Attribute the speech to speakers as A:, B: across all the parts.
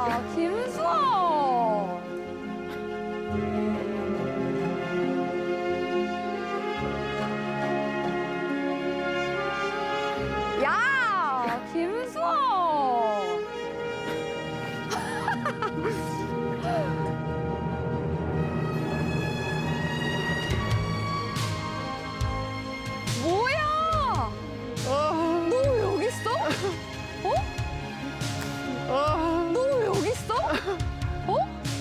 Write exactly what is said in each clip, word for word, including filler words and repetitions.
A: 야, 김수원. 야, 김수원. 뭐야? 너 왜 여기 있어? 어? 너 왜 여기 있어? 어?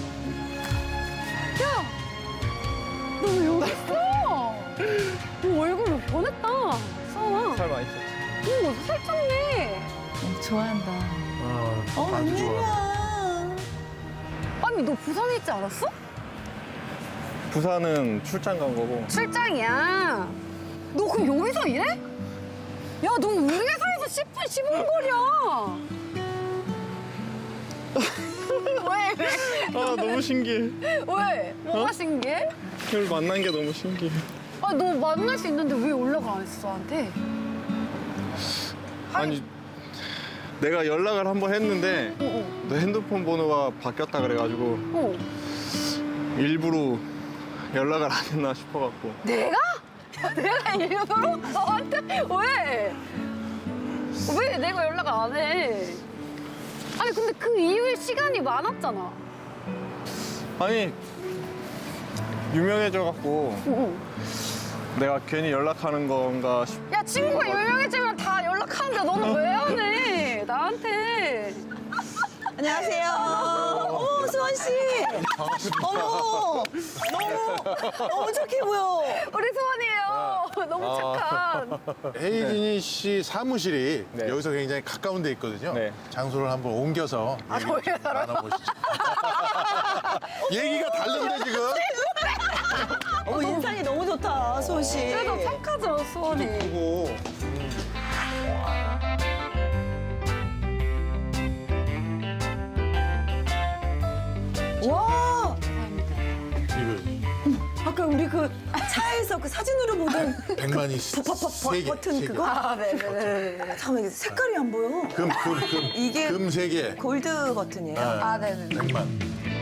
A: 야, 너 왜 여기 있어? 너 얼굴 변했다. 수원아.
B: 살 많이 쪘지.
A: 오, 살쪘네.
C: 어, 좋아한다.
B: 어,
C: 어,
B: 아주 좋아.
C: 웬일이야.
A: 아니, 너 부산에 있지 않았어?
B: 부산은 출장 간 거고.
A: 출장이야. 너 그럼 여기서 일해? 야, 너 우리 회사에서 십 분, 십오 분 거리야. 왜, 왜?
B: 아 너무 신기해.
A: 왜? 뭐가
B: 어?
A: 신기해?
B: 널 만난 게 너무 신기해.
A: 아, 너 만날 수 있는데 왜 연락 안 했어, 나한테?
B: 아니 내가 연락을 한 번 했는데
A: 어,
B: 너 핸드폰 번호가 바뀌었다 그래가지고
A: 어. 어.
B: 일부러 연락을 안 했나 싶어갖고.
A: 내가? 야, 내가 일부러 너한테? 왜? 왜 내가 연락 안 해? 아니, 근데 그 이후에 시간이 많았잖아.
B: 아니 유명해져갖고
A: 어, 어.
B: 내가 괜히 연락하는 건가 싶.
A: 야, 친구가 유명해지면 다 연락하는데 너는 왜 안 해? 나한테.
C: 안녕하세요. 오, 수원 씨. 어머, 너무, 너무 착해 보여.
A: 우리 수원이에요. 너무 착한.
D: 헤이진이 씨 사무실이
B: 네.
D: 여기서 굉장히 가까운 데 있거든요.
B: 네.
D: 장소를 한번 옮겨서
A: 아,
D: 얘기
A: 저기요?
D: 좀 나눠보시죠. 얘기가 다른데 지금?
C: 어머, 인상이 너무 좋다, 수원 씨.
A: 그래도 착하죠, 수원이.
D: 보고
C: 와,
D: 이거
C: 아까 우리 그 차에서 그 사진으로 보던
D: 백만이
C: 버, 버, 버,
D: 세 개,
C: 버튼
D: 세 개.
C: 그거? 아, 네네네. 잠깐만, 이게 색깔이 안 보여.
D: 금, 금, 금.
C: 이게
D: 금 세 개.
C: 골드 버튼이에요.
A: 아, 네네.
D: 백만.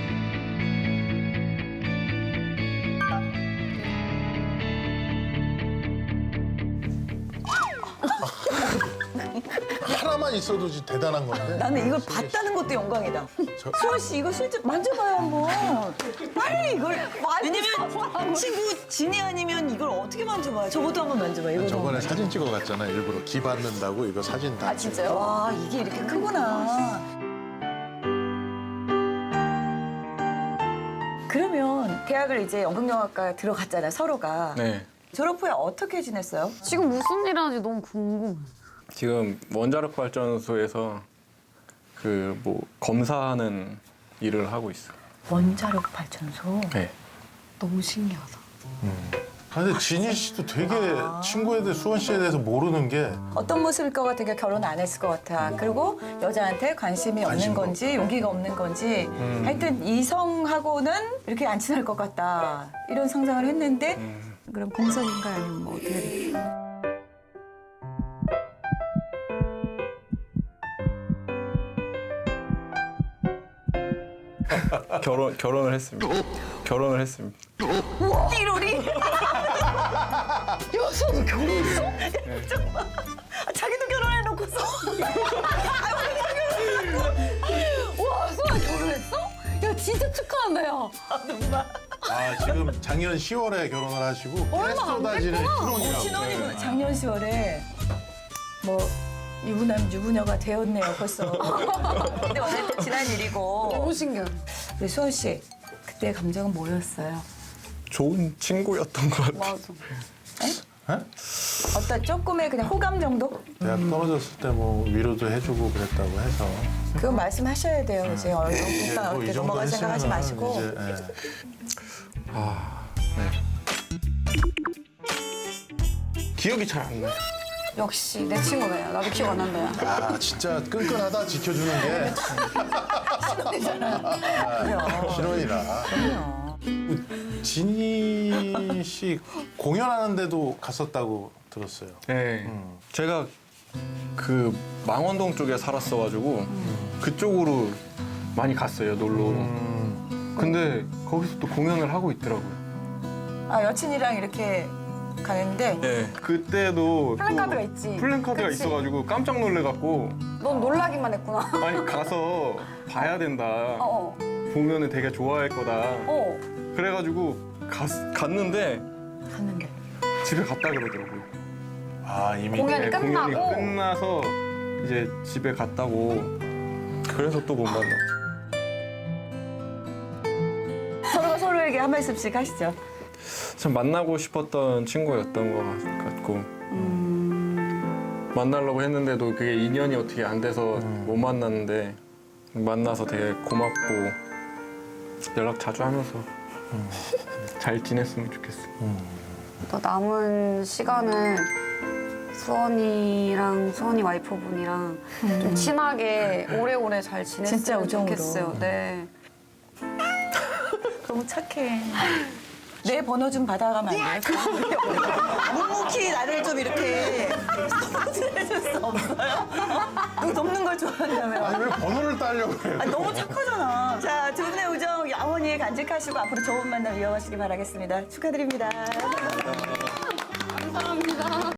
D: 하나만 있어도 진짜 대단한 건데.
C: 나는 이걸 봤다는 것도 영광이다.
D: 저-
C: 수원 씨 이거 실제 만져봐요 한번. 빨리 이걸. 왜냐면 친구 진이 아니면 이걸 어떻게 만져봐요? 저것도 한번 만져봐. 이거
D: 저번에 사진 찍어 갔잖아. 일부러 기 받는다고 이거 사진 다.
A: 아, 진짜요?
C: 와 이게 이렇게 크구나. 그러면 대학을 이제 연극영화과 들어갔잖아요 서로가.
B: 네.
C: 졸업 후에 어떻게 지냈어요?
A: 지금 무슨 일 하는지 너무 궁금해.
B: 지금 원자력 발전소에서 그 뭐 검사하는 일을 하고 있어.
C: 원자력 발전소.
B: 네.
A: 너무 신기하다.
D: 아, 근데 진희 씨도 되게 친구에 대해 수원 씨에 대해서 모르는 게
C: 어떤 모습일 것 같으니까 결혼 안 했을 것 같아. 그리고 여자한테 관심이 없는
D: 관심도
C: 건지 용기가 없는 건지
D: 음.
C: 하여튼 이성하고는 이렇게 안 친할 것 같다. 이런 상상을 했는데
D: 음.
C: 그럼 공석인가 아니면 뭐 어떻게 돼?
B: 결혼 결혼을 했습니다. 결혼을 했습니다.
C: 띠로리? 여수 너 결혼했어? 잠깐만. 아, 자기도 결혼해놓고서.
A: 와, 수원 결혼했어? 야, 진짜 축하한다, 야.
D: 아 지금 작년 시월에 결혼을 하시고
A: 얼마 안
D: 쏟아지는
A: 됐구나.
D: 희롱이라고.
C: 신혼이구나. 작년 시월에 뭐 유부남 유부녀가 되었네요 벌써. 근데 어쨌든 지난 일이고.
A: 너무 신기해.
C: 우리 수원 씨 그때 감정은 뭐였어요?
B: 좋은 친구였던 것 같아.
A: 맞아.
C: 어떤 조금의 그냥 호감 정도?
D: 대학 떨어졌을 때 뭐 위로도 해주고 그랬다고 해서.
C: 그건 말씀하셔야 돼요. 이제 얼른
D: 이제
C: 일단
D: 뭐
C: 어떻게
D: 이 정도
C: 넘어갈 생각하지
D: 했으면은
C: 마시고.
D: 이제, 예.
B: 아, 네. 기억이 잘 안 나.
A: 역시 내 친구네. 나도 기억 안 난다, 야.
D: 아 진짜 끈끈하다 지켜주는 게
C: 그래요.
D: 신혼이라.
C: 그럼요.
D: 진희 씨 공연하는데도 갔었다고 들었어요.
B: 네. 제가 그 망원동 쪽에 살았어가지고 그쪽으로
E: 많이 갔어요, 놀러.
D: 음.
E: 근데 거기서 또 공연을 하고 있더라고요.
C: 아 여친이랑 이렇게 가는데
E: 네. 그때도
A: 플랜카드가
E: 또
A: 있지.
E: 플랜카드가
A: 그치?
E: 있어가지고 깜짝 놀래갖고
A: 넌 놀라기만 했구나.
E: 아니 가서 봐야 된다.
A: 어,
E: 보면은 되게 좋아할 거다.
A: 어.
E: 그래가지고 갔, 갔는데
C: 갔는데
E: 집에 갔다 그러더라고요.
D: 아 이미
A: 공연이
E: 네,
A: 끝나고?
E: 공연이 끝나서 이제 집에 갔다고. 그래서 또 못 만났죠.
C: 서로가 서로에게 한 말씀씩 하시죠.
E: 참 만나고 싶었던 친구였던 것 같고 만나려고 했는데도 그게 인연이 어떻게 안 돼서 못 만났는데 만나서 되게 고맙고 연락 자주 하면서 잘 지냈으면 좋겠어.
A: 또 남은 시간을 수원이랑 수원이 와이프분이랑 좀 친하게 오래오래 잘
C: 진짜
A: 지냈으면
C: 우정으로.
A: 좋겠어요. 네.
C: 너무 착해. 내 번호 좀 받아가면 안 돼요? 묵묵히 나를 좀 이렇게 서포트해줄 수 없어요? 너 돕는 걸 좋아한다며.
D: 아니 왜 번호를 따려고 그래요?
C: 아, 너무 착하잖아. 자, 두 분의 우정 영원히 간직하시고 앞으로 좋은 만남 이어가시기 바라겠습니다. 축하드립니다.
A: 감사합니다.